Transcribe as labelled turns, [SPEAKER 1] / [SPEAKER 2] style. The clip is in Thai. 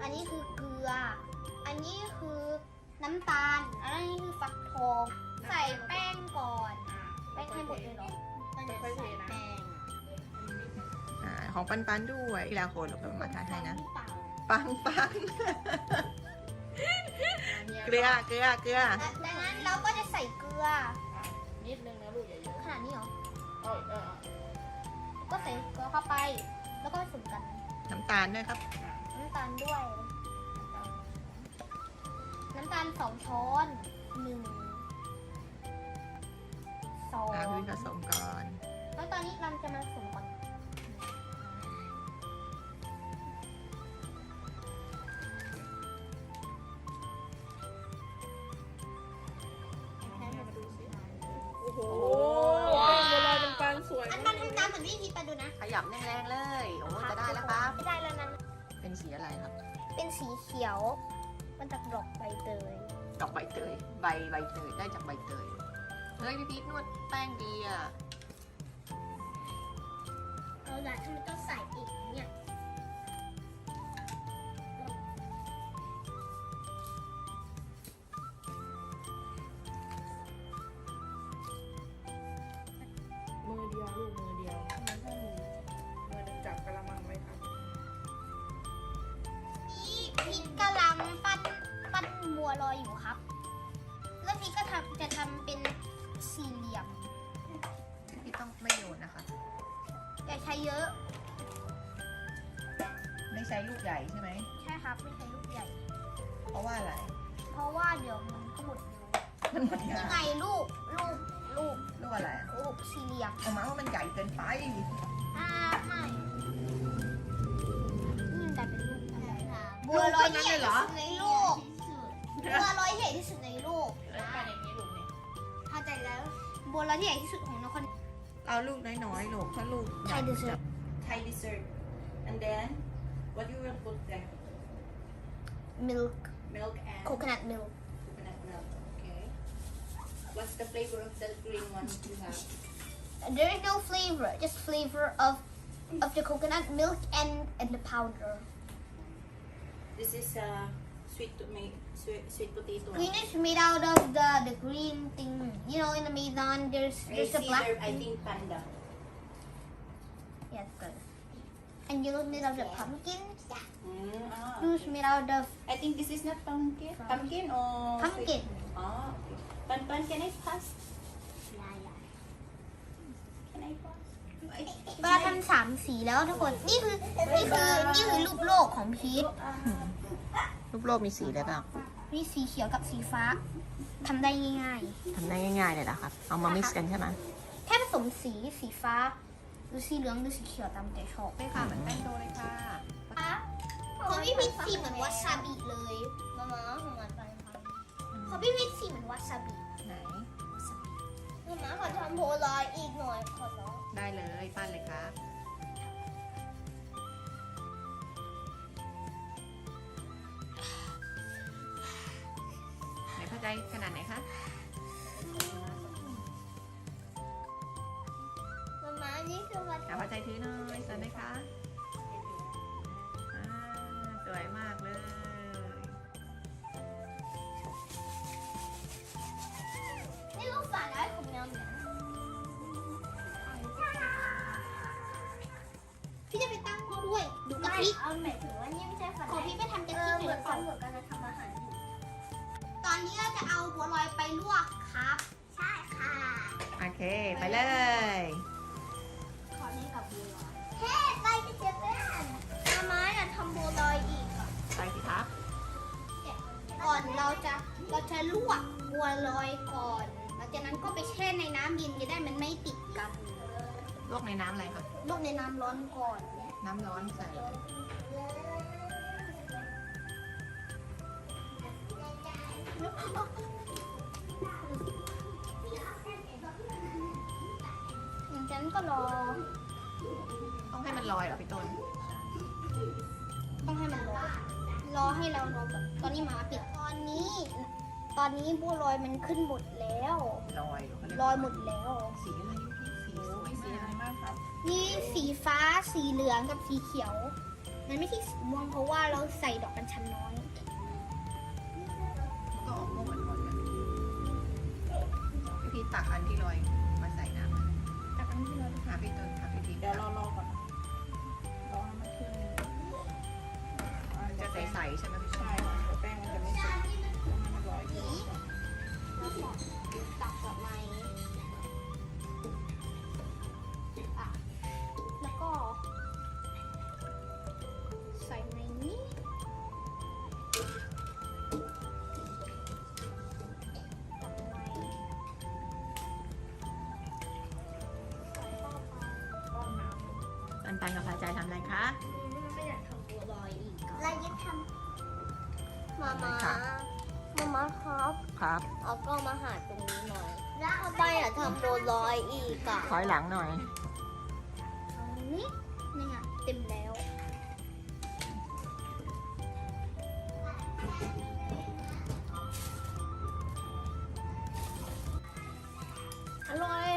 [SPEAKER 1] นนี้คือเกลือ อันนี้คือน้ำตาล อันนี้คือฟักทอง ใส่แป้งก่อนแป้งให้หมดเลยเหรอ
[SPEAKER 2] ค่อยๆเทนะ
[SPEAKER 1] แป้ง
[SPEAKER 3] ของปันด้วยทีละคนเราเป็นมาทานให้นะ
[SPEAKER 1] เปล่า
[SPEAKER 3] ปังเกลือ
[SPEAKER 1] ดังนั้นเราก็จะใส่เกลือ
[SPEAKER 2] นิดนึงนะลูกอย่าเยอะ
[SPEAKER 1] ขนาดนี้เหรอ
[SPEAKER 2] เออ
[SPEAKER 1] ก็ใส่เกลือเข้าไป แล้วก็ผสมกัน
[SPEAKER 3] น้ำตาลด้วยครับ
[SPEAKER 1] น้ำตาลด้วย น้ำตาล2 ช้อน1
[SPEAKER 3] พี่ผ
[SPEAKER 1] 2
[SPEAKER 3] สมก่อน
[SPEAKER 1] แล้วตอนนี้เราจะมาผสมก่อน
[SPEAKER 2] มาดูสิโอ้โหแป้งบัวลอยเป็นปันสวย
[SPEAKER 1] อันมันทำตามเหมือนที่พีไปดูนะ
[SPEAKER 3] ขยับแรงๆเลย โอ้จะได้แล้วครับ
[SPEAKER 1] ไม่ได้แล้วนะ
[SPEAKER 3] เป็นสีอะไรครับ
[SPEAKER 1] เป็นสีเขียว มันจากดอกใบเตย
[SPEAKER 3] ดอกใบเตย ใบเตย ได้จากใบเตย เฮ้ยพี่พีทนวดแป้งดีอ่ะ
[SPEAKER 1] เอาละทำไมต้องใส่อีกเนี่ย
[SPEAKER 2] มือเดียวลูกมือเดียวมือหนึ่งจับกระมังไว้ครับ
[SPEAKER 1] นี่พีทกำลังปั้นบัวลอยอยู่ครับ แล้วพีทก็จะทำเป็นสี่เหลี่ยม
[SPEAKER 3] พี่ต้องไม่โยนนะคะ
[SPEAKER 1] อย่าใช้เยอะ
[SPEAKER 3] ไม่ใช้ลูกใหญ่ใช่ไหม
[SPEAKER 1] ใช่ครับ ไม่ใช้ลูกใหญ่
[SPEAKER 3] เพราะว่าอะไร
[SPEAKER 1] เพราะว่าเดี๋ยวมันก็หมดเร็ว
[SPEAKER 3] มันหมด
[SPEAKER 1] ยั
[SPEAKER 3] ยาง
[SPEAKER 1] ไงลูก
[SPEAKER 3] ลูกอะไรอะ
[SPEAKER 1] ลูกสี่เหลี่ยม
[SPEAKER 3] เอามาว่ามันใหญ่เกินไป
[SPEAKER 1] ไม่นี่มันกลายเป็นลูกอะไรบัวลอยที่ใหญ่ที่สุดในโลกบัวลอยที่ใหญ่ที่สุดในโลก
[SPEAKER 2] แล้วปั้นอย่างนี้ลูกเนี่ย
[SPEAKER 1] เข้าใจแล้วบัวลอยที่ใหญ่ที่สุดของนคร
[SPEAKER 3] เอาลูกน้อยๆลูกถ้าลูก
[SPEAKER 1] ไทยดิเซอร์
[SPEAKER 4] Thai dessert. And then, what you will put there?
[SPEAKER 1] milk
[SPEAKER 4] Milk and
[SPEAKER 1] coconut milk
[SPEAKER 4] coconut milk. Okay. What's the flavor of the green one you have?
[SPEAKER 1] there is no flavor just flavor of the coconut milk and the powder
[SPEAKER 4] This is sweet potato.
[SPEAKER 1] green is made out of the green thing you know in the Amazon there's a black
[SPEAKER 4] I
[SPEAKER 1] thing
[SPEAKER 4] think panda.
[SPEAKER 1] yes good and yellow made out of pumpkin
[SPEAKER 4] Ah,
[SPEAKER 1] blue's
[SPEAKER 4] okay.
[SPEAKER 1] made out of
[SPEAKER 4] I think this is not pumpkin. Pumpkin or
[SPEAKER 1] pumpkin
[SPEAKER 4] Ah, okay. Pan, can I pass? Can I pass?
[SPEAKER 1] ก็ทำ3 สีแล้วทุกคนนี่คือรูปโลกของพีท
[SPEAKER 3] รูปโลกมีสีอะไรบ้าง
[SPEAKER 1] มีสีเขียวกับสีฟ้าทำได้ง่าย
[SPEAKER 3] ทำได้ง่ายๆเลยเหรอครับ เอามา mix กันใช่ไหม
[SPEAKER 1] ๆ แค่ผสมสีฟ้าหรือสีเหลืองหรือสีเขียวตามใจชอบ
[SPEAKER 3] ได้ค่ะเหมือนแป้งโดเลยค่ะ
[SPEAKER 1] ของพี่พีทสีเหมือนวาซาบิเลยมาของมันไปของพี่พีทสีเหมือนวาซาบิ
[SPEAKER 3] ไหน
[SPEAKER 1] มาขอทำโพลอยอีกหน่อยขอร้อง
[SPEAKER 3] ได้เลยปั้นเลยครับไหนเข้าใจขนาดไหนคะ
[SPEAKER 1] มานี่คือวา
[SPEAKER 3] เอาพอใจถือหน่อยสวยไหมคะอ่าสวยมากเลย
[SPEAKER 1] นี่ลูกฝาแล้วของแมวเหมียวพี่จะไปตั้งเขาด้วยดูกะทิเอาหมายถึงว่านี่ไม่ใช่ฝาของพี่ไปทำกะทิเหมือนกันจะทำอาหารอยู่ตอนนี้เราจะเอาบัวลอยไปลวกครับ ใช่ค่ะ
[SPEAKER 3] โอเค ไปเลย
[SPEAKER 1] ขอเล่นกับบัวลอยเฮ้ไปกันเจเพื่อนมาม้าอยากทำบัวลอยอีก
[SPEAKER 3] ไปสิครับ
[SPEAKER 1] ก่อนเราจะลวกบัวลอยก่อนหลังจากนั้นก็ไปแช่ในน้ำเย็นจะได้มันไม่ติดกัน
[SPEAKER 3] ลวกในน้ำอะไรครับ
[SPEAKER 1] ลวกในน้ำร้อนก่อน
[SPEAKER 3] น้ำร้อนใส่เลย
[SPEAKER 1] หลังจากนั้นก็รอ
[SPEAKER 3] ต้องให้มันลอยเหรอพี่ต้น
[SPEAKER 1] ต้องให้มันรอให้เรารอแบบตอนนี้หมาปิดตอนนี้บัวลอยมันขึ้นหมดแล้ว
[SPEAKER 3] ลอยเขาเรียก
[SPEAKER 1] ลอยหมดแล้ว
[SPEAKER 3] สีอะไรพี่สีสวย
[SPEAKER 2] สี
[SPEAKER 3] มา
[SPEAKER 2] อะไร
[SPEAKER 3] ก
[SPEAKER 2] มากครับ
[SPEAKER 1] นี่สีฟ้าสีเหลืองกับสีเขียวมันไม่ใช่สีม่วงเพราะว่าเราใส่ดอกกัญชันน้อย
[SPEAKER 3] มันก็ออกม่วงอ่อนๆกันพี่พีชตักอันที่ลอยมาใส่น้ำ
[SPEAKER 1] แต่อันที่เรา
[SPEAKER 3] หาพี่ต้นหาพี่พีช
[SPEAKER 2] เดี๋ยวรอก่อนนะรอให้มันขึ้น
[SPEAKER 3] จะใสๆใช่ไหมพี่ช
[SPEAKER 2] ใช่
[SPEAKER 3] ม
[SPEAKER 2] ค่ะแป้งมันจะไม่สุกให้มันร้อยอยู่ก่อน
[SPEAKER 1] เราขอตักดอกไม้อ่ะแล้วก็ ใส่ในนี้ดอกไม้ใส่เข้าไป
[SPEAKER 2] ป้อนน้
[SPEAKER 3] ปันปันกับพาใจทำอะไรคะ
[SPEAKER 1] ไม่อยากทำบัวลอยอีกเรายึดทำมามาครับ
[SPEAKER 3] ครับ
[SPEAKER 1] เอาก็มาหาตรงนี้หน่อยทำไมอยากทำบัวลอยอีกอ่ะ
[SPEAKER 3] ถอยหลังหน่อย
[SPEAKER 1] ตรงนี้นี่ไงเต็มแล้วอร่อย